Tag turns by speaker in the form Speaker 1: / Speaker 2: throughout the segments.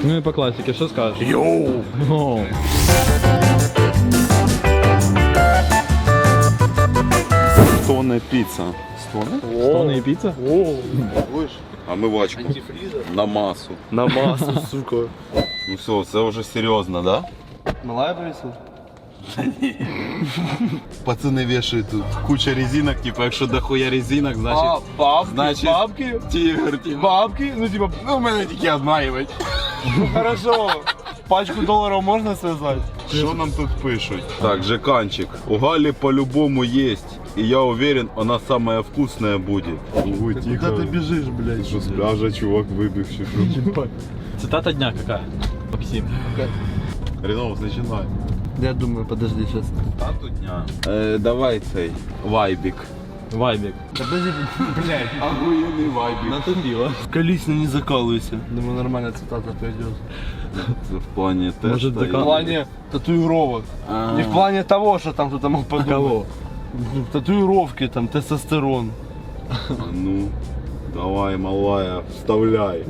Speaker 1: Ну и по классике, что скажешь?
Speaker 2: Йоу!
Speaker 3: Стоне піца. Стоне?
Speaker 1: Стоны и пицца?
Speaker 3: Будеш? Омивачку. На масу.
Speaker 2: На массу, сука.
Speaker 3: Ну все, це вже серйозно, да?
Speaker 2: Малая повесила?
Speaker 3: Пацани вішають тут куча резинок, типу, якщо дохуя резинок, значить...
Speaker 2: бабки, бабки?
Speaker 3: Тігр, типу.
Speaker 2: Бабки? Ну типа,
Speaker 3: Ну, в мене тільки одна є.
Speaker 2: ну хорошо. Пачку долларов можно связать?
Speaker 3: Що нам тут пишуть? Так, Жеканчик. У Галі по-любому есть. И я уверен, она самая вкусная будет. Ой,
Speaker 2: Куда ты бежишь, блядь?
Speaker 3: Що з пляжа чувак вибив чи що?
Speaker 1: Цитата дня какая? Максим.
Speaker 3: Рінов, починай.
Speaker 2: Я думаю, подожди сейчас.
Speaker 3: Тату дня. Давай цей вайбік.
Speaker 1: Вайбик.
Speaker 2: Подожди, блядь.
Speaker 3: Охуєнний вайбік.
Speaker 1: Натупила.
Speaker 2: Колично не закалывайся. Думаю, нормальная цитата пойдет.
Speaker 3: Це в плані теста.
Speaker 1: Может,
Speaker 2: В
Speaker 1: закал-
Speaker 2: плане татуировок.
Speaker 3: А.
Speaker 2: Не в плане того, что там кто-то мог подумать.
Speaker 1: Кого?
Speaker 2: Ну, татуировки, там, тестостерон.
Speaker 3: А ну, давай, малая, вставляй.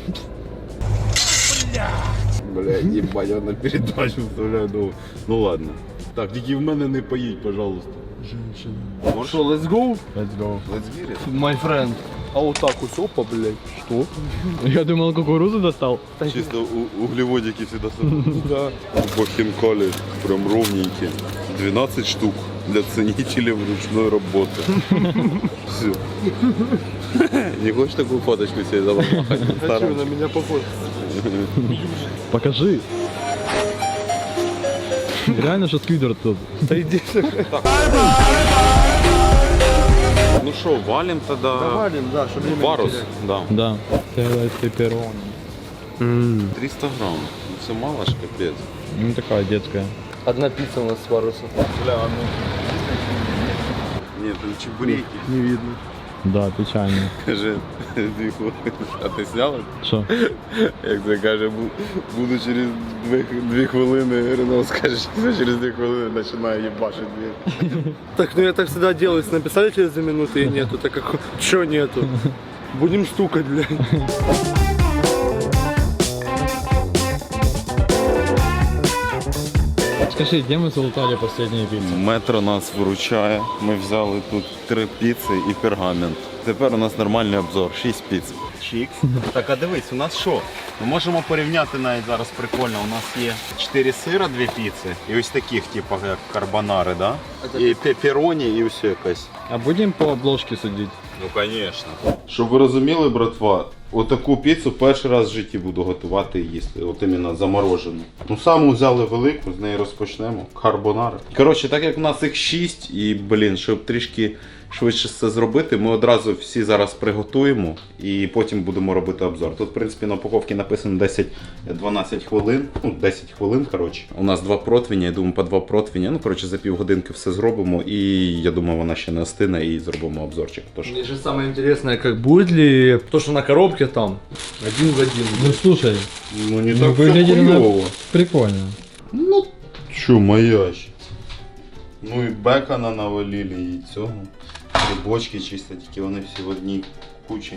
Speaker 3: Блядь, ебать, я на передачу вставляю. Ну ладно. Так, тільки в мене не поїдь, пожалуйста.
Speaker 2: Женщина. Что, let's go?
Speaker 1: Let's go.
Speaker 3: Let's get it.
Speaker 2: My friend. А вот так вот, опа, блядь. Что?
Speaker 1: Я думал, кукурузу достал.
Speaker 3: Чисто углеводики всегда собраны.
Speaker 2: Да.
Speaker 3: По хинкали прям ровненькие. 12 штук для ценителей ручной работы. Все. Не хочешь такую фоточку себе заломахать?
Speaker 2: Хочу, на меня похож.
Speaker 1: Покажи. Реально, что сквидер тут.
Speaker 2: Да иди.
Speaker 3: Ну что, валим тогда?
Speaker 2: Валим, да, чтобы время
Speaker 3: Парус,
Speaker 2: не
Speaker 3: да.
Speaker 1: Да. Целая пепперони.
Speaker 3: 300 грамм. Ну, все мало ж, капец.
Speaker 1: Ну такая детская.
Speaker 2: Одна пицца у нас с парусом.
Speaker 3: Бля, ну. Нет, там чебуреки.
Speaker 2: Не видно.
Speaker 1: Да, печально.
Speaker 3: Каже, 2 хвилини. А ти зняв?
Speaker 1: Что?
Speaker 3: Як це каже, буду через 2 хвилини, Рено скаже, що через 2 хвилини починає їбашити двір.
Speaker 2: Так, ну я так всегда делаю, если написали через 2 минуты и нету, так как чё нету? Будем стукать, блядь.
Speaker 1: Скажи, где мы залутали последние пиццы?
Speaker 3: Метро нас виручає. Ми взяли тут 3 піци і пергамент. Тепер у нас нормальний обзор, 6 піц. Чікс. Так, а дивись, у нас що? Ми можемо порівняти навіть зараз прикольно. У нас є 4 сира, 2 піци. І ось таких, типу, як карбонари, да? І пеппероні, і все якось.
Speaker 1: А будем по обложке судить?
Speaker 3: Ну, звісно. Щоб ви розуміли, братва, отаку піцу перший раз в житті буду готувати і їсти. От іменно заморожену. Ну, саму взяли велику, з неї розпочнемо. Карбонари. Коротше, так як у нас їх 6, і, блін, щоб трішки швидше це зробити, ми одразу всі зараз приготуємо і потім будемо робити обзор. Тут, в принципі, на упаковці написано 10-12 хвилин. Ну, 10 хвилин, коротше. У нас 2 противня, я думаю, по 2 противня. Ну, коротше, за півгодинки все зробимо і, я думаю, вона ще не остине і зробимо обзорчик. Тож.
Speaker 2: Мне же самое интересное, как будет ли то, что на коробке там, один в один.
Speaker 1: Ну слушай,
Speaker 3: Ну, не
Speaker 1: ну,
Speaker 3: так все
Speaker 1: выглядели на-
Speaker 3: хуёво.
Speaker 1: прикольно.
Speaker 3: Ну, чё, моя ще. Ну і бекона навалили, і цього. Грибочки чисто, тільки вони всі в одній кучі.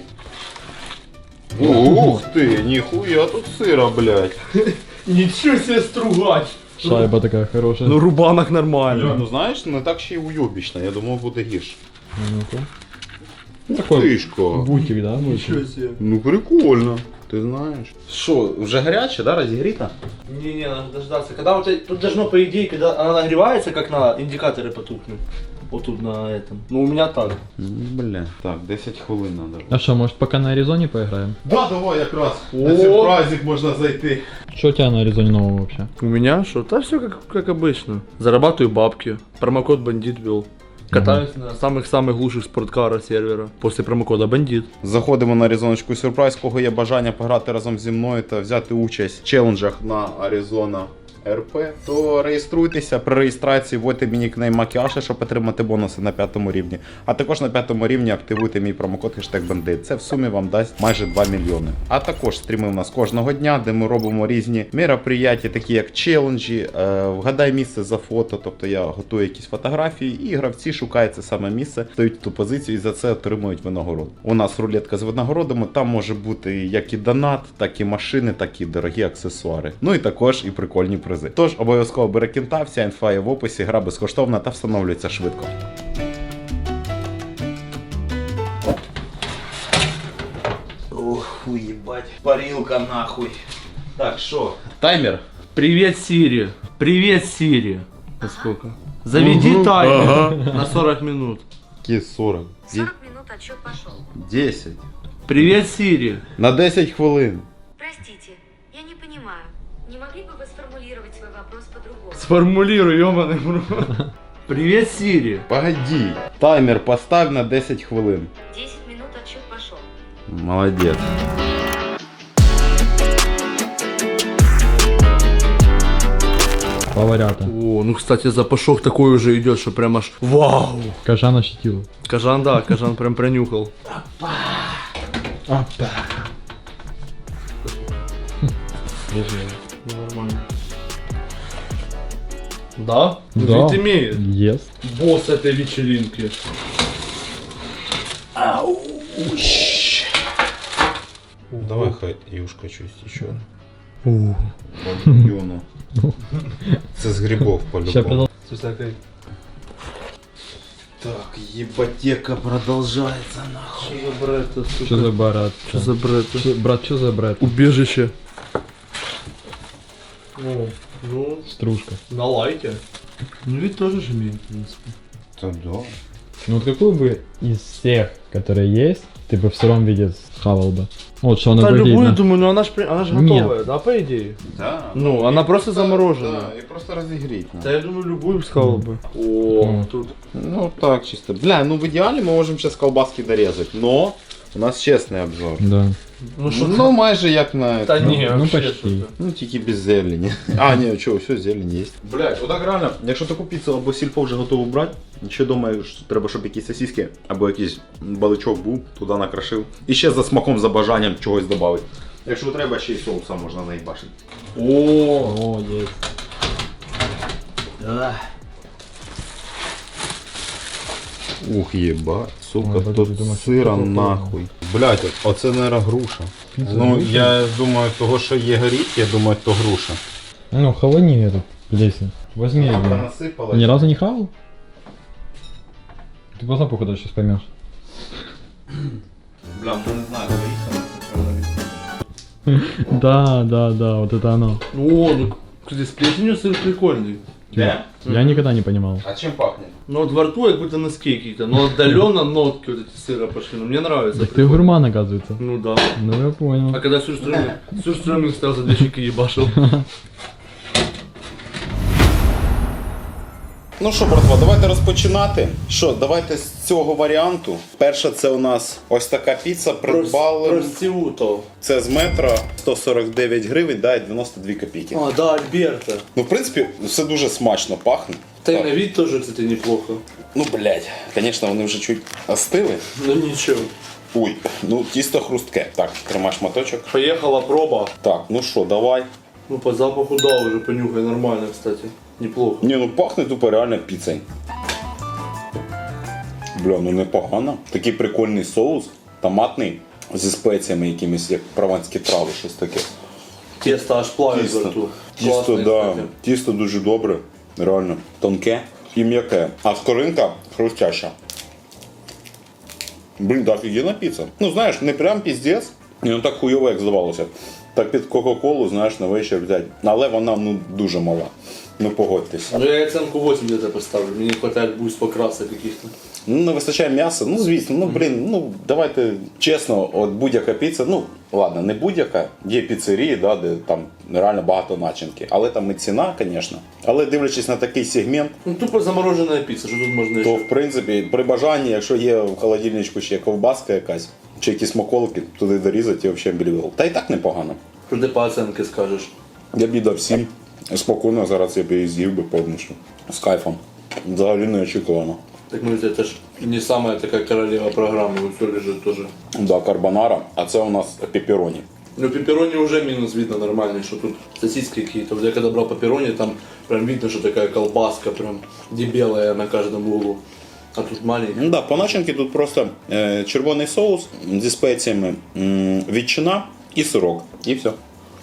Speaker 3: Ух ти, ніхуя тут сира, блядь.
Speaker 2: Ничего себе стругач!
Speaker 1: Шайба такая хорошая.
Speaker 2: Ну рубанок нормально.
Speaker 3: Ну знаєш, не так ще й уйобічно, я думав буде гірше.
Speaker 1: Ну-ка. Ну, такой
Speaker 3: Тишко.
Speaker 1: бутик, да?
Speaker 2: Ничего себе.
Speaker 3: Ну прикольно, ти знаєш. Що, вже гаряче, да, розігріта?
Speaker 2: Не, надо дождаться. Когда вот тут должно, по идее, когда она нагревается, как надо, индикаторы потухнут. Вот тут на этом. Ну у меня так.
Speaker 3: Бля. Так, 10 хвилин надо.
Speaker 1: А что, может пока на Аризоне поиграем?
Speaker 3: Да, давай якраз. На
Speaker 2: О!
Speaker 3: цей праздник можна зайти.
Speaker 1: Что у тебя на Аризоне нового вообще?
Speaker 2: У меня что? Да все как обычно. Зарабатываю бабки. Промокод бандит ввел. Катаюсь на самых-самых лучших спорткарах сервера. После промокода бандит.
Speaker 3: Заходимо на Аризоночку Сюрприз, кого є бажання пограти разом зі мною та взяти участь в челенджах на Arizona РП, то реєструйтеся. При реєстрації вводьте мій нікнейм Макіаша, щоб отримати бонуси на 5 рівні. А також на 5 рівні активуйте мій промокод #Бандит. Це в сумі вам дасть майже 2 мільйони. А також стріми у нас кожного дня, де ми робимо різні мероприятия, такі як челенджі, вгадай місце за фото, тобто я готую якісь фотографії, і гравці шукають це саме місце, стають в ту позицію і за це отримують винагороду. У нас рулетка з винагородами, там може бути як і донат, так і машини, так і дорогі аксесуари. Ну і також і прикольні призи. Тож обов'язково бери кінта, вся інфа є в описі, гра безкоштовна та встановлюється швидко. Ох, уебать, парилка нахуй. Так, что? Таймер?
Speaker 2: Привет, Сири. Привет, Сири. На сколько? Заведи таймер на 40 минут.
Speaker 3: Какие 40?
Speaker 4: 40 минут отсчет пошел.
Speaker 3: 10.
Speaker 2: Привет, Сири.
Speaker 3: На 10 хвилин.
Speaker 4: Простите, я не понимаю. Не могли бы вы сформулировать свой вопрос по-другому?
Speaker 2: Сформулируй, ёбаный в рот. Привет, Сири.
Speaker 3: Погоди. Таймер поставь на 10 хвилин.
Speaker 4: 10 минут отсчет пошел.
Speaker 3: Молодец.
Speaker 1: Поварята.
Speaker 2: О, ну, кстати, запашок такой уже идет, что прям аж вау.
Speaker 1: Кажан ощутил.
Speaker 2: Кажан, да, Кажан прям пронюхал. Ну, нормально. Да? Ну,
Speaker 1: Да.
Speaker 2: Вид имеет.
Speaker 1: Ест.
Speaker 2: Босс этой вечеринки.
Speaker 3: Давай хай юшка чуть еще. Юну. Це з грибов
Speaker 1: Ща
Speaker 3: по-любому.
Speaker 1: продал.
Speaker 2: С всякой...
Speaker 3: Так, ебатека продолжается нахуй.
Speaker 2: Что за бред?
Speaker 1: Что за барат?
Speaker 2: Что за бред?
Speaker 1: Брат, что за брат?
Speaker 2: Убежище. Ну,
Speaker 1: Стружка.
Speaker 2: на лайке. Ну, ведь тоже же имеет, в принципе.
Speaker 3: Та да.
Speaker 1: Ну вот какую бы из всех, которые есть, ты бы в сыром виде схавал бы? Вот что она
Speaker 2: Да, любую,
Speaker 1: выглядит.
Speaker 2: думаю, но она же
Speaker 1: Нет.
Speaker 2: готовая, да, по идее?
Speaker 3: Да.
Speaker 2: Ну, она просто замороженная.
Speaker 3: Да, і просто розігріть.
Speaker 2: Да, я думаю, любую сказал бы. О,
Speaker 1: Ну.
Speaker 2: тут.
Speaker 3: Ну так, чисто. Бля, ну в идеале мы можем сейчас колбаски дорезать, но у нас честный обзор.
Speaker 1: Да.
Speaker 2: Ну, что
Speaker 3: Ну майже як на...
Speaker 2: да не,
Speaker 1: ну,
Speaker 2: вообще
Speaker 1: почти.
Speaker 2: что-то.
Speaker 3: Ну тільки без зелені. А, ні, чого, все, зелень є. Блять, отак реально, якщо таку піцу або сільпо вже готову брати, ще думаю, що треба, щоб якісь сосиски або якийсь баличок був, туди накрошив. І ще за смаком, за бажанням чогось додати. Якщо треба, ще й соуса можна наїбашити.
Speaker 2: О,
Speaker 1: О, есть.
Speaker 3: Ух, єбать, сука,
Speaker 1: Ой,
Speaker 3: тут
Speaker 1: подожди, думаю,
Speaker 3: сира
Speaker 1: що таке?
Speaker 3: нахуй. Блять, оце, наверное, груша.
Speaker 1: Піца
Speaker 3: Ну,
Speaker 1: груша?
Speaker 3: я думаю, того, що є горіть, я думаю, то груша.
Speaker 1: Ну, хавани эту плесень. Возьми ее.
Speaker 3: Насипала.
Speaker 1: Ни разу не хавал? Ты поздно, походу, сейчас поймешь.
Speaker 3: Бля, ну не знаю, горіть.
Speaker 1: Да, вот это оно.
Speaker 2: о, ну, кстати, с плесенью сыр прикольный.
Speaker 3: Де?
Speaker 1: Я никогда не понимал.
Speaker 3: А чим пахне?
Speaker 2: Ну, вот во рту как будто носки какие-то, но отдаленно нотки вот эти сыра пошли, но мне нравится.
Speaker 1: Так ты
Speaker 2: прикольно.
Speaker 1: гурман, оказывается.
Speaker 2: Ну да.
Speaker 1: Ну я понял.
Speaker 2: А когда сюрстрёминг стоял за 2 щеки ебашил.
Speaker 3: Ну що, братва, давайте розпочинати. Що, давайте з цього варіанту. Перша це у нас ось така піца, придбали.
Speaker 2: Простиуто.
Speaker 3: Це з метро 149 гривень, да, і 92 копійки.
Speaker 2: А, да, Альберта.
Speaker 3: Ну, в принципі, все дуже смачно пахне.
Speaker 2: Да и
Speaker 3: Так.
Speaker 2: на вид тоже, кстати, неплохо.
Speaker 3: Ну, блядь, звісно, вони вже чуть остили.
Speaker 2: Ну ничего.
Speaker 3: Ой, ну тісто хрустке. Так, тримай шматочок.
Speaker 2: Поехала проба.
Speaker 3: Так, ну що, давай.
Speaker 2: Ну по запаху да, уже понюхай нормально, кстати. Неплохо.
Speaker 3: Ні, ну пахне тупо реально піцею. Бля, ну непогано. Такий прикольний соус, томатний, зі спеціями якимись, як прованські трави, щось таке.
Speaker 2: Тесто аж плавит во рту.
Speaker 3: Тісто,
Speaker 2: Классное,
Speaker 3: да.
Speaker 2: кстати.
Speaker 3: Тісто дуже добре, реально. Тонке і м'яке. А скоринка хрустяща. Блін, так офігенна піца. Ну знаєш, не прям піздець, і не так хуйово, як здавалося. Так під Кока-Колу, знаєш, на вечір взяти. Але вона ну дуже мала. Ну погодьтесь.
Speaker 2: Ну я оценку 8 где-то поставлю. Мне не хватает буст покрасок каких-то.
Speaker 3: Ну не вистачає м'яса, ну звісно, ну блін, ну давайте чесно, от будь-яка піца, ну ладно, не будь-яка, є піцерії, да, де там реально багато начинки. Але там і ціна, звісно. Але дивлячись на такий сегмент,
Speaker 2: Ну тупо замороженная пицца, что тут можно
Speaker 3: то
Speaker 2: еще?
Speaker 3: в принципі при бажанні, якщо є в холодильничку ще ковбаска якась, чи якісь смаколики, туди дорізати і взагалі блювел. Та і так непогано.
Speaker 2: Что ты по оценке скажешь?
Speaker 3: Я б їй дав 7. Спокійно, зараз я б її з'їв би повністю. З кайфом. Взагалі не очікувано.
Speaker 2: Так, ну это ж не самая такая королева программы, вот все лежит тоже.
Speaker 3: Да, карбонара, а це у нас пеппероні.
Speaker 2: Ну, пепперони уже минус видно нормальный, что тут сосиски какие-то. Вот я когда брал пепперони, там прям видно, что такая колбаска прям дебелая на каждом углу. А тут маленький.
Speaker 3: Ну да, по начинці тут просто червоний соус зі спеціями, ветчина і сирок. І все.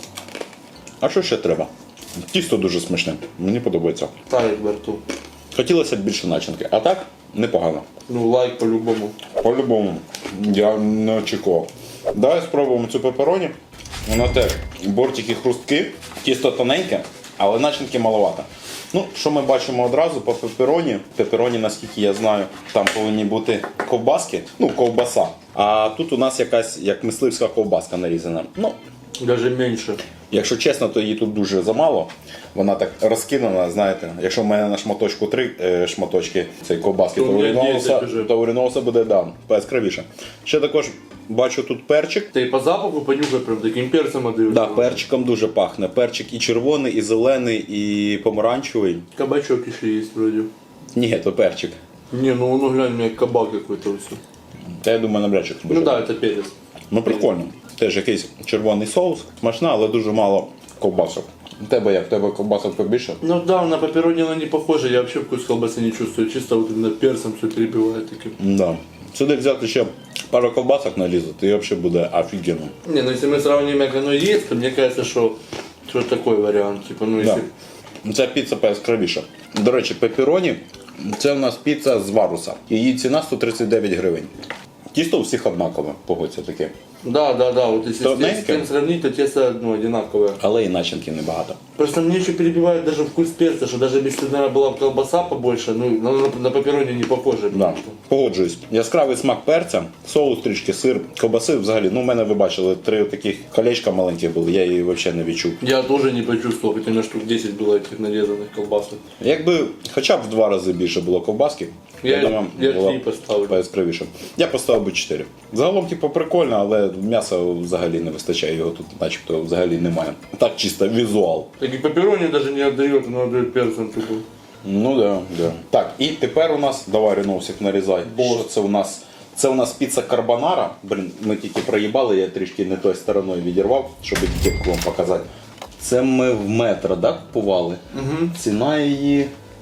Speaker 3: А що ще треба? Тісто дуже смачне, мені подобається.
Speaker 2: Тарик во рту.
Speaker 3: Хотілося б більше начинки, а так непогано.
Speaker 2: Ну, лайк по-любому.
Speaker 3: По-любому, я не очікував. Давай спробуємо цю пеппероні. Вона теж бортики хрусткі, тісто тоненьке, але начинки маловато. Ну, що ми бачимо одразу по пеппероні. Пеппероні, наскільки я знаю, там повинні бути ковбаски, ну, ковбаса. А тут у нас якась як мисливська ковбаска нарізана. Ну,
Speaker 2: Даже меньше.
Speaker 3: якщо чесно, то її тут дуже замало. Вона так розкинена, знаєте. Якщо в мене на шматочку 3 шматочки цієї ковбаски,
Speaker 2: То
Speaker 3: то
Speaker 2: у мене
Speaker 3: у
Speaker 2: 10 уже.
Speaker 3: Ріноуса буде яскравіше. Ще також бачу тут перчик.
Speaker 2: Ты по запаху понюхай прям таким перцем отдаешь.
Speaker 3: Да, перчиком дуже пахне. Перчик і червоний, і зелений, і помаранчевий.
Speaker 2: Кабачок еще есть вроде.
Speaker 3: Ні, то перчик.
Speaker 2: Не, ну глянь, у меня кабак какой-то все.
Speaker 3: Та я думаю, навряд чи це буде.
Speaker 2: Ну да, это перец.
Speaker 3: Ну прикольно. Теж якийсь червоний соус. Смачна, але дуже мало ковбасок. У тебе як? У тебе ковбасок побільше?
Speaker 2: Ну да, на пепперони она не похожа, я вообще вкус колбасы не чувствую. Чисто вот именно перцем все перебивает таким.
Speaker 3: Да. Сюди взяти ще пару ковбасок нарізати, і взагалі буде офігенно.
Speaker 2: Не, ну если мы сравним, как оно есть, то мне кажется, что такой вариант. Типа, ну
Speaker 3: Да.
Speaker 2: если...
Speaker 3: Ця піца пояскравіша. До речі, пеппероні – це у нас піца з варуса. Її ціна 139 гривень. Тісто у всіх однакове, погодься таке.
Speaker 2: Да, вот если
Speaker 3: То
Speaker 2: с
Speaker 3: знаете,
Speaker 2: тем сравнить, то тесто ну, одинаковое.
Speaker 3: Але і начинки небагато.
Speaker 2: Просто мне еще перебивает даже вкус перца, что даже если, наверное, была бы колбаса побольше, ну, на пепперони не похоже.
Speaker 3: Да. Погоджуюсь. Яскравий смак перця, соус трішки, сир, ковбаси взагалі. Ну, у мене ви бачили 3 таких колечка маленьких були, я її взагалі не відчув.
Speaker 2: Я тоже не почувствовал, хотя у меня штук 10 было этих нарезанных колбасок.
Speaker 3: Якби хоча б в 2 рази більше було ковбаски,
Speaker 2: Я
Speaker 3: було
Speaker 2: 3 поставлю.
Speaker 3: пояскравіше. Я поставив би 4. Загалом, типу, прикольно, але м'яса взагалі не вистачає, його тут начебто взагалі немає. Так чисто візуал.
Speaker 2: Так и пепперони даже не отдает, оно отдает перцем тупо.
Speaker 3: Ну да, да. Так, і тепер у нас, давай Реносик нарізай. Що це у нас? Це у нас піца карбонара. Блін, ми тільки проїбали, я трішки не тою стороною відірвав, щоб етикетку вам показати. Це ми в метро, да, купували? Угу. Ціна її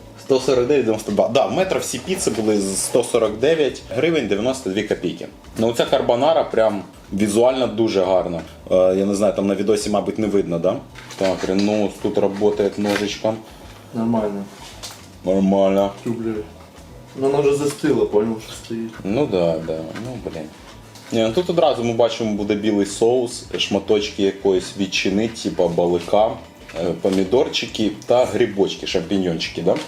Speaker 3: 149,92. Да, в метро всі піци були з 149 гривень 92 копійки. Ну ця карбонара прям візуально дуже гарна. Я не знаю, там на відосі, мабуть, не видно, да? Так, Ренос тут працює ножичком.
Speaker 2: Нормально.
Speaker 3: Нормально.
Speaker 2: Блядь. Ну она уже застыла, понял, что стоит.
Speaker 3: Ну да, да. Ну блін. Ні, ну тут одразу ми бачимо буде білий соус, шматочки якоїсь ветчини, типу балика, помідорчики та грибочки, шампіньончики, да?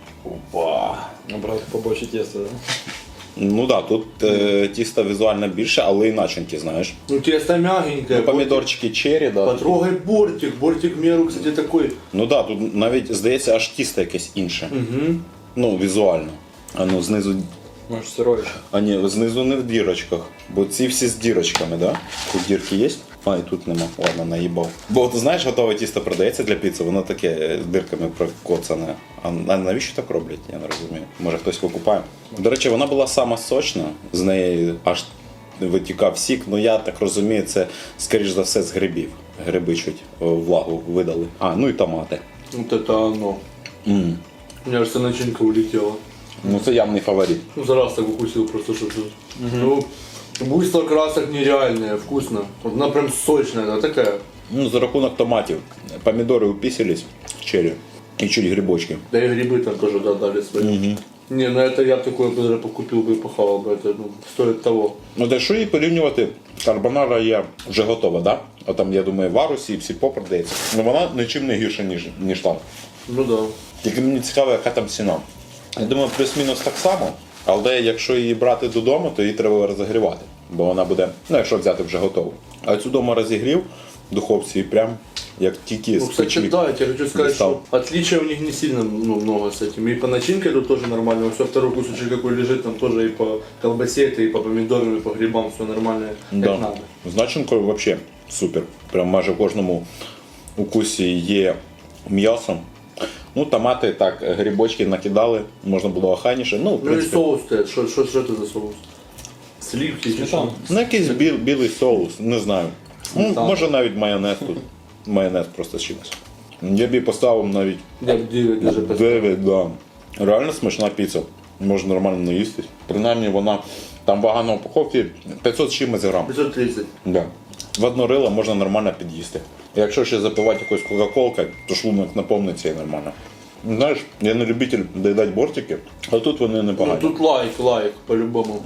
Speaker 3: Опа.
Speaker 1: Набрати побольше теста, да?
Speaker 3: Ну да, тут тісто візуально більше, але і начинки, знаєш.
Speaker 2: Ну тесто мягенькое.
Speaker 3: Помідорчики черрі, да.
Speaker 2: Потрогай бортик. Бортик в меру, кстати, такой.
Speaker 3: Ну да, тут навіть здається аж тісто якесь інше.
Speaker 2: Угу.
Speaker 3: Ну, візуально. А ну знизу.
Speaker 1: Може сирої.
Speaker 3: А ні, знизу не в дірочках, бо ці всі з дірочками, да? Тут дірки є? А, і тут нема. Ладно, наїбав. Бо ти знаєш, готове тісто продається для піци, воно таке з дирками прокоцане. А навіщо так роблять? Я не розумію. Може хтось викупає. До речі, вона була сама сочна, з неї аж витікав сік, ну я так розумію, це скоріш за все з грибів. Гриби чуть влагу видали. А, ну і томати.
Speaker 2: Вот это оно. У меня же вся начинка улетела.
Speaker 3: Ну це явний фаворит.
Speaker 2: Ну за раз так укусил просто, что Ну, буйство красок нереальное, вкусно. Вот она прям сочная, она такая.
Speaker 3: Ну, за рахунок томатів. Помідори упісились в черрі. І чуть грибочки.
Speaker 2: Да и грибы там тоже додали свои. Не, ну это я такое бы даже покупил бы и похавал бы, это ну, стоит того.
Speaker 3: Ну, та що її порівнювати, карбонара є вже готова, да? А там, я думаю, в Арусі і всі продається. Ну вона нічим не гірша, ніж там.
Speaker 2: Ну да.
Speaker 3: Тільки мені цікаво, яка там ціна. Я думаю, плюс-мінус так само, але якщо її брати додому, то її треба розігрівати. Бо вона буде, ну якщо взяти вже готову. А цю дома розігрів в духовці і прям як тільки
Speaker 2: Ну,
Speaker 3: з
Speaker 2: кстати,
Speaker 3: печі.
Speaker 2: да, я тебе хочу сказать,
Speaker 3: достал.
Speaker 2: что отличия у них не сильно много с этим. И по начинке тут тоже нормально. Все второй кусочек какой лежит, там тоже и по колбасе, это и по помидорам, и по грибам все нормально, как
Speaker 3: Да.
Speaker 2: надо.
Speaker 3: З начинкою взагалі супер. Прям майже в кожному укусі є м'ясо. Ну, томати так, грибочки накидали, можна було охайніше. Ну, в
Speaker 2: Ну и
Speaker 3: принципі,
Speaker 2: соус стоит. Что это за соус? Сливки или
Speaker 1: Сметана.
Speaker 2: что?
Speaker 3: ну, якийсь білий соус, не знаю. Ну,
Speaker 2: Сметана.
Speaker 3: може навіть майонез тут. Майонез просто з чимось. Я б їй поставив навіть
Speaker 2: Я бы 9 даже поставил.
Speaker 3: 9, да. Реально смачна піца. Можна нормально наїстись. Принаймні вона, там вага на упаковці 500 з чимось грам.
Speaker 2: 530.
Speaker 3: Да. В одно рило можна нормально під'їсти. Якщо ще запивати якоюсь кока-колкою, то шлунок наповниться і нормально. Знаєш, я не любитель доїдати бортики, а тут вони
Speaker 2: Ну
Speaker 3: непогані.
Speaker 2: тут лайк, по-любому.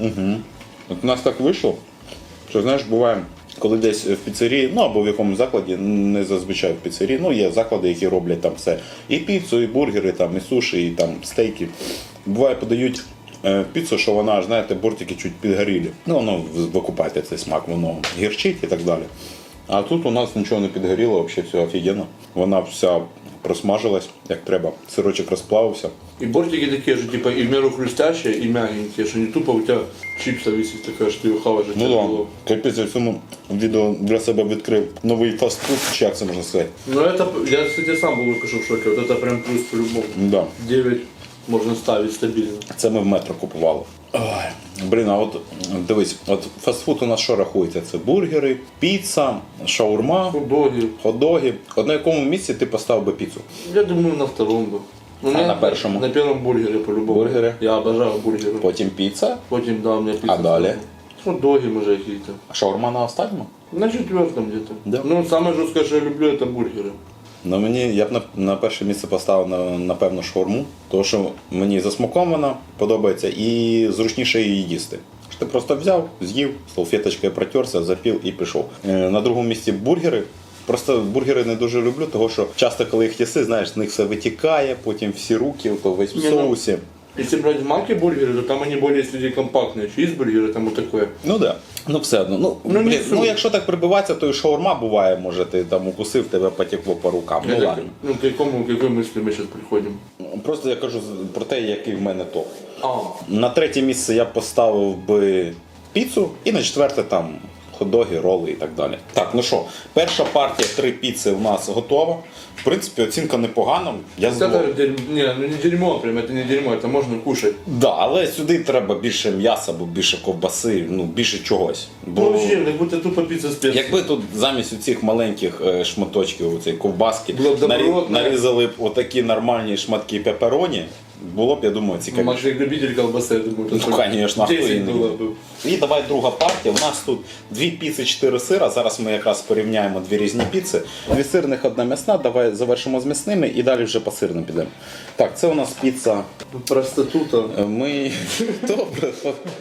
Speaker 3: От у нас так вийшло, що знаєш, буває, коли десь в піцерії, ну або в якомусь закладі, не зазвичай в піцерії, ну є заклади, які роблять там все. І піцу, і бургери, там, і суші, і там стейки. Буває, подають піцу, що вона, аж, знаєте, бортики чуть підгорілі. Ну, воно ви купаєте цей смак, воно гірчить і так далі. А тут у нас нічого не підгоріло, взагалі все офігенно. Вона вся просмажилась, як треба. Сирочок розплавився.
Speaker 2: И бортики такие же, типа, и в меру хрустящие, и мягенькие, что не тупо у тебя чипса висит такая, что ее хавать же
Speaker 3: Ну
Speaker 2: тяжело.
Speaker 3: так, капець, я в цьому відео для себе відкрив новий фастфуд, чи як це можна сказати.
Speaker 2: Ну это, я, кстати, сам был в шоке, вот это прям плюс по-любому.
Speaker 3: Да.
Speaker 2: 9 можно ставить стабильно.
Speaker 3: Це ми в метро купували. Ой, блін, а от дивись, от фастфуд у нас що рахується? Це бургери, піца, шаурма,
Speaker 2: Хот-доги.
Speaker 3: хот-доги. От на якому місці ти поставив би піцу?
Speaker 2: Я думаю, на втором бы. Ну,
Speaker 3: А на первом?
Speaker 2: На первом бургере по-любому.
Speaker 3: Бургеры?
Speaker 2: Я обожаю бургеры.
Speaker 3: Потім піца,
Speaker 2: Потім, да, у меня пицца.
Speaker 3: А далее?
Speaker 2: Хот-доги, може, какие-то.
Speaker 3: а шаурма на останньому?
Speaker 2: На четвертом где-то.
Speaker 3: Да.
Speaker 2: Ну, самое жесткое, что я люблю, это бургеры.
Speaker 3: Ну мені я б на перше місце поставив напевно шаурму, тому що мені за смаком вона подобається і зручніше її їсти. Що ти просто взяв, з'їв, салфеточкою протерся, запів і пішов. На другому місці бургери. Просто бургери не дуже люблю, тому що часто, коли їх їси, знаєш, з них все витікає, потім всі руки, то весь в
Speaker 2: Не, ну,
Speaker 3: соусі.
Speaker 2: Если брать в Маке бургеры, то там они более среди компактные. Чизбургеры там вот такое.
Speaker 3: Ну да. Ну все одно. Ну,
Speaker 2: Ну,
Speaker 3: блін,
Speaker 2: не
Speaker 3: ну
Speaker 2: суть.
Speaker 3: якщо так прибиватися, то і шаурма буває, може ти там укусив, тебе потекло по рукам. Ну
Speaker 2: Это
Speaker 3: ладно.
Speaker 2: Ну, к какой мысли мы сейчас приходим?
Speaker 3: Просто я кажу про те, який в мене топ.
Speaker 2: А,
Speaker 3: На третє місце я поставив би піцу і на четверте там хот-доги, роли і так далі. Так, ну що, перша партія 3 піци у нас готова. В принципі, оцінка непогана. Я задоволений.
Speaker 2: не, ну не дерьмо прям, это не дерьмо, это можно кушать.
Speaker 3: Да, але сюди треба більше м'яса, або більше ковбаси, ну більше чогось. Бо
Speaker 2: Ну вообще, как будто тупо пицца с перцем.
Speaker 3: якби тут замість цих маленьких шматочків, оцей ковбаски,
Speaker 2: Було б добротно.
Speaker 3: нарізали б отакі нормальні шматки пепероні, було б, я думаю,
Speaker 2: Ну,
Speaker 3: цікавіше.
Speaker 2: Макс, как любитель колбасы, я думаю,
Speaker 3: Ну, конечно, а хто
Speaker 2: 10
Speaker 3: її не
Speaker 2: было
Speaker 3: любить?
Speaker 2: бы.
Speaker 3: І давай друга партія. У нас тут 2 піци, 4 сира. Зараз ми якраз порівняємо 2 різні піци. 2 сирних, 1 м'ясна. Давай завершимо з м'ясними і далі вже по сирним підемо. Так, це у нас піца.
Speaker 2: Проститута.
Speaker 3: Ми. Добре.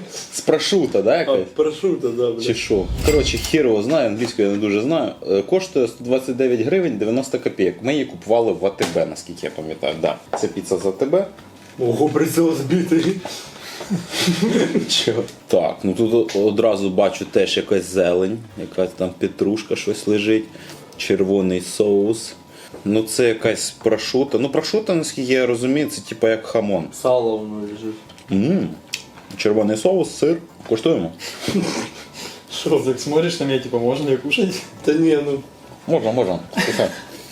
Speaker 3: З прошута, да,
Speaker 2: А,
Speaker 3: якась?
Speaker 2: прошута, да,
Speaker 3: Чи
Speaker 2: блядь.
Speaker 3: що? Коротше, хір його знаю, англійською я не дуже знаю. Коштує 129 гривень 90 копійок. Ми її купували в АТБ, наскільки я пам'ятаю. Да. Це піца з АТБ.
Speaker 2: Ого, прицел сбитый.
Speaker 3: Чого? Так, ну тут одразу бачу теж якась зелень, якась там петрушка щось лежить, червоний соус. Ну це якась прошута. Ну прошута, наскільки я розумію, це типу як хамон.
Speaker 2: Сало воно лежит.
Speaker 3: Червоний соус, сир. Коштуємо?
Speaker 2: Шо?
Speaker 1: Так смотришь на меня, типа, можно ее кушать?
Speaker 2: Да не, ну.
Speaker 3: Можна. Слухай.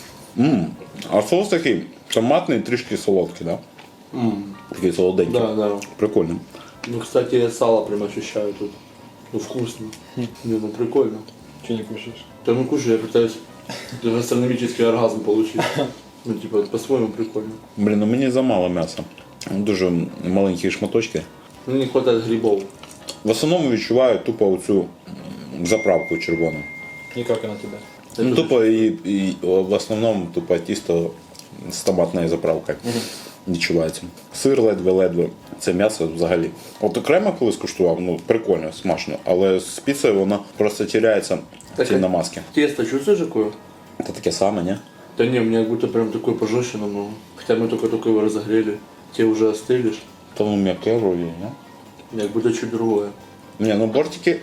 Speaker 3: А соус такий томатний, трішки солодкий, да? Такий солоденький.
Speaker 2: Да, да.
Speaker 3: Прикольно.
Speaker 2: Ну, кстати, я сало прям ощущаю тут. Ну, вкусно. Не, ну прикольно.
Speaker 1: Че не кушаешь?
Speaker 2: Да ну кушай, я пытаюсь гастрономический оргазм получить. Ну, типа, по-своему прикольно.
Speaker 3: Блін, ну мені замало м'яса. Дуже маленькі шматочки.
Speaker 2: Ну, не хватает грибов.
Speaker 3: В основному відчуваю тупо оцю заправку червону.
Speaker 1: И как она тебя?
Speaker 3: Ну, тупо і в основному тупо тісто з томатною заправкою відчувається. Сир ледве-ледве. Це м'ясо взагалі. От окремо колись куштував, ну прикольно, смачно. Але з піцею воно просто теряється в цій намазці.
Speaker 2: Тесто чувствуешь какое?
Speaker 3: Це таке саме, ні?
Speaker 2: Да не, у меня как будто прям такое пожестче намного. Хотя мы только-только его разогрели. Те уже остыли. ж.
Speaker 3: Та ну м'яке вроді, ні?
Speaker 2: Как будто чуть другое.
Speaker 3: Ні, ну бортики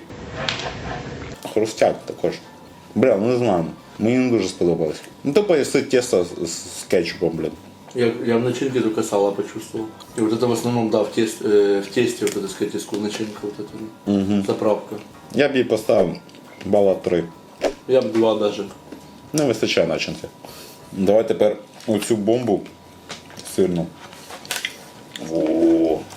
Speaker 3: хрустять також. Бля, ну не знаю. Мені не дуже сподобалось. Ну тупо їсти тісто з кетчупом, блін.
Speaker 2: Я в начинке только сало почувствовал. И вот это в основном, да, в тесте вот это, сказать, начинка вот эта, заправка.
Speaker 3: Я б їй поставив бала 3.
Speaker 2: Я бы 2 даже.
Speaker 3: Не вистачає начинки. Давай тепер оцю бомбу сирну. О.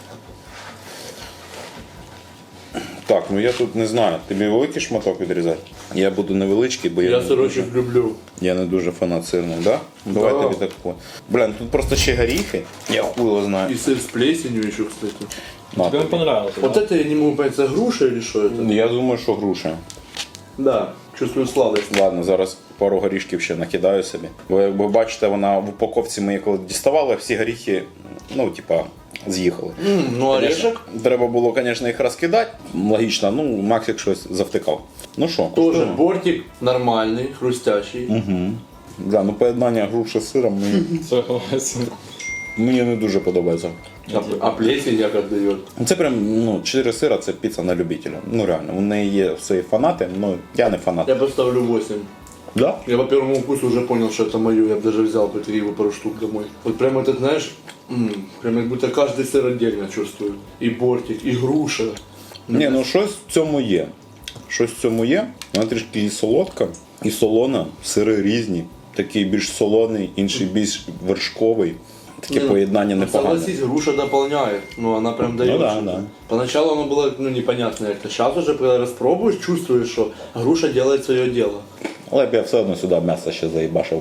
Speaker 3: Так, ну я тут не знаю, тобі великий шматок відрізати? Я буду невеличкий, бо
Speaker 2: Я
Speaker 3: не
Speaker 2: сырочек люблю.
Speaker 3: я не дуже фанат сирного, да? Давай
Speaker 2: Да.
Speaker 3: тобі таку. Блін, тут просто ще горіхи. Я хуй його знаю.
Speaker 2: И сыр с плесенью еще, кстати.
Speaker 3: На
Speaker 1: Тебе
Speaker 3: тобі.
Speaker 1: понравился,
Speaker 2: Вот это я не могу понять, это груша или что это?
Speaker 3: Я думаю, що груша.
Speaker 2: Да, чувствую сладость.
Speaker 3: Ладно, зараз пару горішків ще накидаю собі. Бо як ви бачите, вона в упаковці ми коли діставали, всі горіхи, ну, типа, з'їхали.
Speaker 2: Ну, орешек
Speaker 3: Треба було, звісно, їх розкидати. Логічно, ну, Максик щось завтикав. Ну що,
Speaker 2: тоже
Speaker 3: куштуємо?
Speaker 2: бортик нормальный, хрустящий.
Speaker 3: Да, ну поєднання груші з сиром
Speaker 1: Согласен.
Speaker 3: мені не дуже подобається.
Speaker 2: А плесень як отдает.
Speaker 3: Це прям, ну, 4 сира, це піца на любителя. Ну реально, у неї є свої фанати, ну я не фанат.
Speaker 2: Я поставлю 8.
Speaker 3: Да?
Speaker 2: Я по первому вкусу уже понял, что это мое. Я бы даже взял по 3 пару штук домой. Вот прям этот, знаешь, прям как будто каждый сыр отдельно чувствую. И бортик, и груша.
Speaker 3: Ні, ну щось в цьому є. Щось в цьому є. Вона трішки і солодка, і солона, сири різні. Такий більш солоний, інший більш вершковий. Таке поєднання непогане.
Speaker 2: Согласись, груша дополняет. Ну, она прям дает.
Speaker 3: Ну да,
Speaker 2: что-то.
Speaker 3: да.
Speaker 2: Поначалу оно было, ну, непонятно как-то. Сейчас уже, когда распробуешь, чувствуешь, что груша делает свое дело.
Speaker 3: Але б я все одно сюди м'ясо ще заїбашив.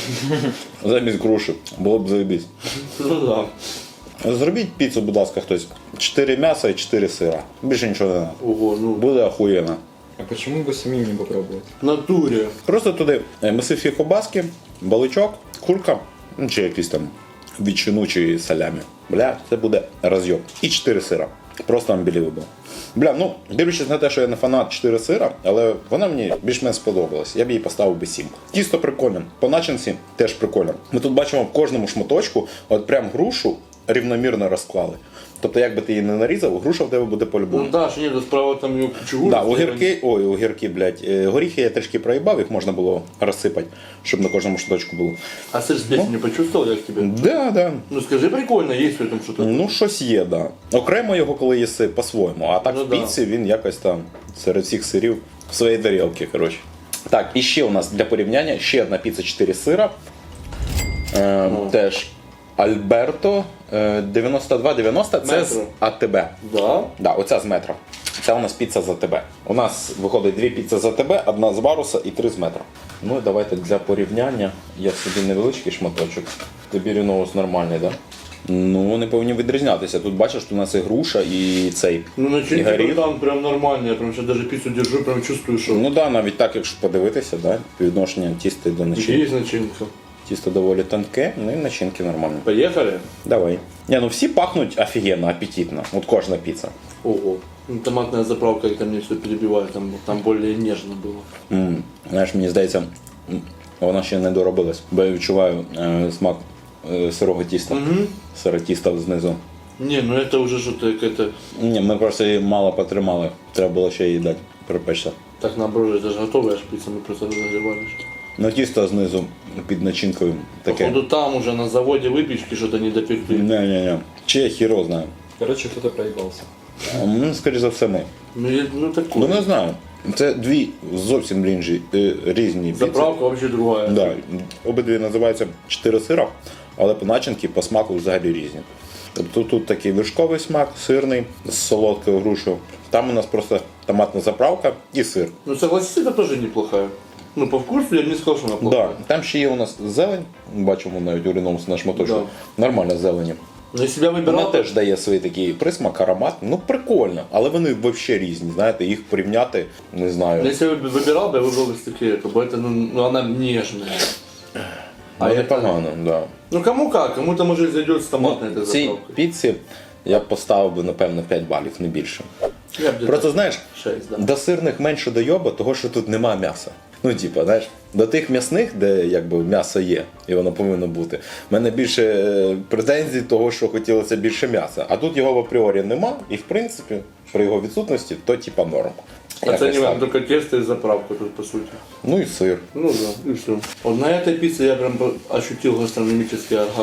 Speaker 3: Замість груші. Було б заєбісь.
Speaker 2: Ну да.
Speaker 3: Зробіть піцу, будь ласка, хтось. 4 м'яса і 4 сира. Більше нічого не треба.
Speaker 2: Ого, ну,
Speaker 3: Буде охуєнно.
Speaker 1: А почему бы самим не попробовать?
Speaker 2: в натуре.
Speaker 3: Просто туди мисивські кобаски, баличок, курка, ну, чи якісь там ветчину чи салямі. Бля, це буде розйоб. І 4 сира. Просто unbelievable. Бля, ну, дивлячись на те, що я не фанат 4 сира, але вона мені більш-менш сподобалась. Я б їй поставив би 7. Тісто прикольне. По начинці теж прикольно. Ми тут бачимо в кожному шматочку, от прям грушу рівномірно розклали. Тобто, як би ти її не нарізав, груша в тебе буде по-любому.
Speaker 2: Ну да, что нет, справа там ее кучу.
Speaker 3: Да, огірки, блядь. Горіхи я трішки проїбав, їх можна було розсипати, щоб на кожному шматочку було.
Speaker 2: А сыр с плесенью почувствовал я к тебе?
Speaker 3: Да, да.
Speaker 2: Ну скажи, прикольно, есть в этом что-то?
Speaker 3: Ну, щось є, да. Окремо його, коли їси, по-своєму. А так
Speaker 2: Ну
Speaker 3: в
Speaker 2: да.
Speaker 3: піці він якось там серед всіх сирів в своїй тарілці, коротше. Так, і ще у нас для порівняння ще одна піца 4 сира. Теж Альберто 92,90. Це з
Speaker 2: Метро.
Speaker 3: АТБ.
Speaker 2: Да?
Speaker 3: Да, оця з метро. Це у нас піца за АТБ. У нас виходить 2 піци з АТБ, 1 з Варуса і 3 з метро. Ну і давайте для порівняння. Я собі невеличкий шматочок. Тобі ріноус нормальний, так? Да? Ну, вони повинні відрізнятися. Тут бачиш, що у нас і груша, і цей.
Speaker 2: Ну
Speaker 3: і
Speaker 2: начинки
Speaker 3: горіх.
Speaker 2: там прям нормально, я прям сейчас даже пиццу держу, прям чувствую, что
Speaker 3: Ну так, да, навіть так, якщо подивитися, да? Відношення тіста до начинки.
Speaker 2: есть начинка.
Speaker 3: Тісто доволі тонке, ну і начинки нормальні.
Speaker 2: Поехали?
Speaker 3: Давай. Не, ну всі пахнуть офігенно, апетитно. От кожна піца.
Speaker 2: Ого. Ну, томатная заправка, это мне все перебивает, там более нежно было.
Speaker 3: Знаєш, мені здається, вона ще не доробилась, бо я відчуваю смак сирого тіста. Сире тіста знизу.
Speaker 2: Не, ну это уже что-то какое-то...
Speaker 3: Ні, ми просто її мало потримали. Треба було ще її дати, припечься.
Speaker 2: Так наоборот, это же готовая ж пицца, мы просто разогревали.
Speaker 3: Ну тісто знизу під начинкою таке.
Speaker 2: Походу там уже на заводе выпечки что-то не допекли.
Speaker 3: Не. Чи я хіро знаю.
Speaker 1: Короче, кто-то проебался.
Speaker 3: Ну, скоріше за все, ми.
Speaker 2: Ну такое.
Speaker 3: Ну не знаю. Це дві зовсім різні піци.
Speaker 2: Заправка вообще другая.
Speaker 3: Да. Обидві називаються 4 сира, але по начинки, по смаку взагалі різні. Тобто тут такий вершковий смак, сирний, з солодкою грушею. Там у нас просто томатна заправка і сир.
Speaker 2: Ну согласись, это тоже неплохая. Ну по вкусу я бы не сказал, что она плохая.
Speaker 3: Да. Там ще є у нас зелень, бачимо навіть у ріномусі на шматочку. Нормальна зелені.
Speaker 2: Но если я
Speaker 3: Вона
Speaker 2: выбирал,
Speaker 3: теж дає свій такий присмак, аромат. Ну прикольно, але вони взагалі різні. Знаєте, їх порівняти, не знаю.
Speaker 2: если я выбирал бы, я выбрал бы стекле, как бы это, ну она нежная.
Speaker 3: А
Speaker 2: это-
Speaker 3: непогано, да.
Speaker 2: Ну кому как, кому-то может зайдет с томатной этой
Speaker 3: Цій
Speaker 2: заправкой.
Speaker 3: піці я б поставив би, напевно, 5 балів, не більше.
Speaker 2: Я бы где-то
Speaker 3: Просто знаєш,
Speaker 2: 6, да.
Speaker 3: до сирних менше дойоба, того що тут нема м'яса. Ну, типа, знаєш, до тих м'ясних, де якби м'ясо є, і воно повинно бути. В мене більше претензій того, що хотілося більше м'яса. А тут його в апріорі нема, і в принципі, при його відсутності, то типа норм. Якось
Speaker 2: Оцениваем
Speaker 3: так.
Speaker 2: только тесто и заправку тут по сути.
Speaker 3: Ну і сир.
Speaker 2: Ну да, и все. Вот на этой пицце я прям ощутил гастрономический оргазм.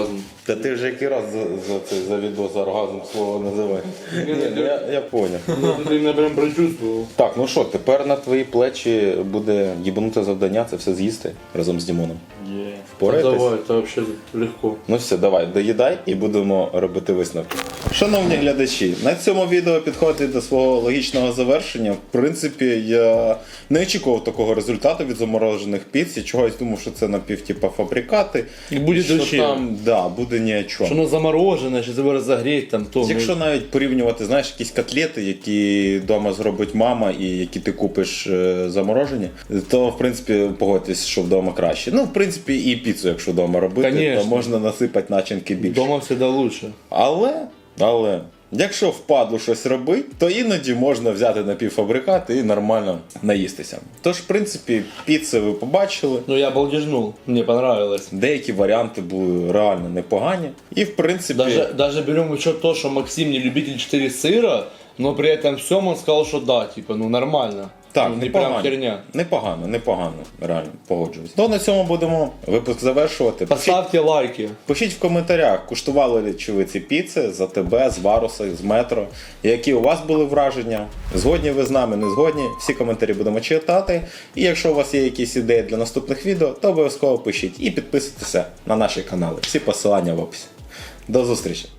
Speaker 3: Та ти вже який раз за відео за оргазм слово називаєш. Я поняв.
Speaker 2: Ты меня прям прочувствовал.
Speaker 3: Так, ну що, тепер на твої плечі буде їбануте завдання, це все з'їсти разом з Дімоном. Впораєтесь?
Speaker 2: Давай, это вообще легко.
Speaker 3: Ну все, давай, доїдай і будемо робити висновки. Шановні глядачі, на цьому відео підходить до свого логічного завершення. В принципі, я не очікував такого результату від заморожених піц. Я чогось думав, що це напівтипа фабрикати.
Speaker 2: І буде
Speaker 3: що
Speaker 2: вообще.
Speaker 3: там, да, буде ні о чому.
Speaker 2: Что оно замороженное, сейчас его разогреть там то.
Speaker 3: Якщо навіть порівнювати, знаєш, якісь котлети, які вдома зробить мама і які ти купиш заморожені, то в принципі погодьтесь, що вдома краще. Ну, в принципі, і піцу, якщо вдома робити,
Speaker 2: Конечно.
Speaker 3: то можна насипати начинки більше.
Speaker 2: Дома всегда лучше.
Speaker 3: Але, якщо впадло щось робити, то іноді можна взяти напівфабрикати і нормально наїстися. Тож, в принципі, піци ви побачили.
Speaker 2: Ну я балдежнул, мне понравилось.
Speaker 3: Деякі варіанти були реально непогані. І, в принципі,
Speaker 2: Даже берем в учет то, что Максим не любитель 4 сыра, но при этом всем он сказал, что да, типа, ну нормально.
Speaker 3: так,
Speaker 2: Ну, не прям
Speaker 3: непогано.
Speaker 2: херня.
Speaker 3: Непогано, реально, погоджуюсь. То на цьому будемо випуск завершувати.
Speaker 2: Поставьте лайки.
Speaker 3: Пишіть в коментарях, куштували ли чи ви ці піци за тебе, з Варуса, з Метро, які у вас були враження. Згодні ви з нами, не згодні. Всі коментарі будемо читати. І якщо у вас є якісь ідеї для наступних відео, то обов'язково пишіть і підписуйтеся на наші канали. Всі посилання в описі. До зустрічі!